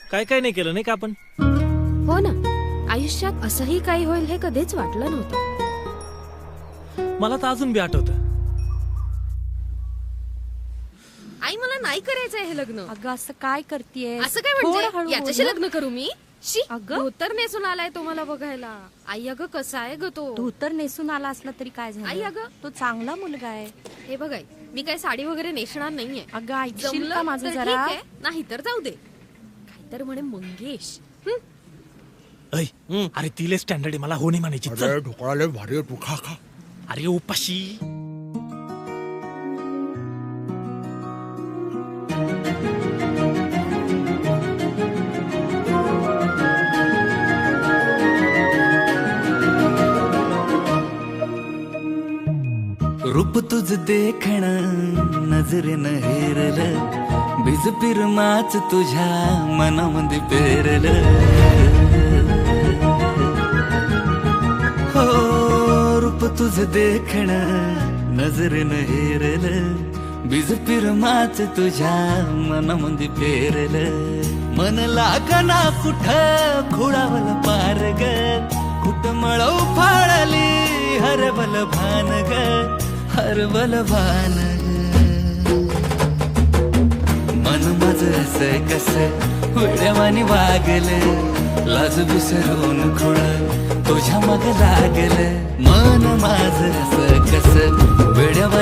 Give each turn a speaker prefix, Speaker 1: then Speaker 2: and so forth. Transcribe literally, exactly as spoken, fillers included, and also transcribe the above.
Speaker 1: काय काय नाही केलं नाही का आपण?
Speaker 2: हो ना, आयुष्यात असंही काही होईल हे कधीच वाटलं नव्हतं.
Speaker 1: मला तर अजून बी आठवतं.
Speaker 2: आई मला नाही करायचंय हे लग्न.
Speaker 3: अगं असं काय करतेय?
Speaker 2: असं काय म्हणजे याच्याशी लग्न करू मी? शी,
Speaker 3: अगं.
Speaker 2: धोतर नेसून आलाय तो मला बघायला. आई अगं कसा आहे ग तो?
Speaker 3: धोतर नेसून आला असला तरी काय
Speaker 2: आई
Speaker 3: झालं?
Speaker 2: अगं.
Speaker 3: तो चांगला मुलगा आहे.
Speaker 2: हे बघ आई, मी काय साडी वगैरे नेसणार नाहीये.
Speaker 3: अगं ऐकशील
Speaker 2: जमलं
Speaker 3: का माझं
Speaker 2: तर
Speaker 3: जरा?
Speaker 2: ठीक आहे, नाही तर जाऊ दे. काय तर म्हणे मंगेश. हं?
Speaker 1: ऐ, अरे तिले स्टँडर्ड आहे, मला हो नाही म्हणायची. चल.
Speaker 4: अरे ढोकळा लय भारी आहे, तू खा खा.
Speaker 1: अरे उपाशी.
Speaker 5: रूप तुझ देखण नजरेन हेरल, बीज पिरमाच तुझ्या मनामध्ये पेरल. हो रूप तुझ देखण नजरेन हेरल, बीज पिरमाच तुझ्या मनामध्ये पेरल. मन लागना कुठ खुळावल पार ग, कुठ मळव फाळली हरबल भान ग, हरबल भान ग. मन माझ असं कस वेड्यावानी वागल, लाज विसरून खुळ तुझ्या मग लागल. मन माझ असं कस वेड्यावानी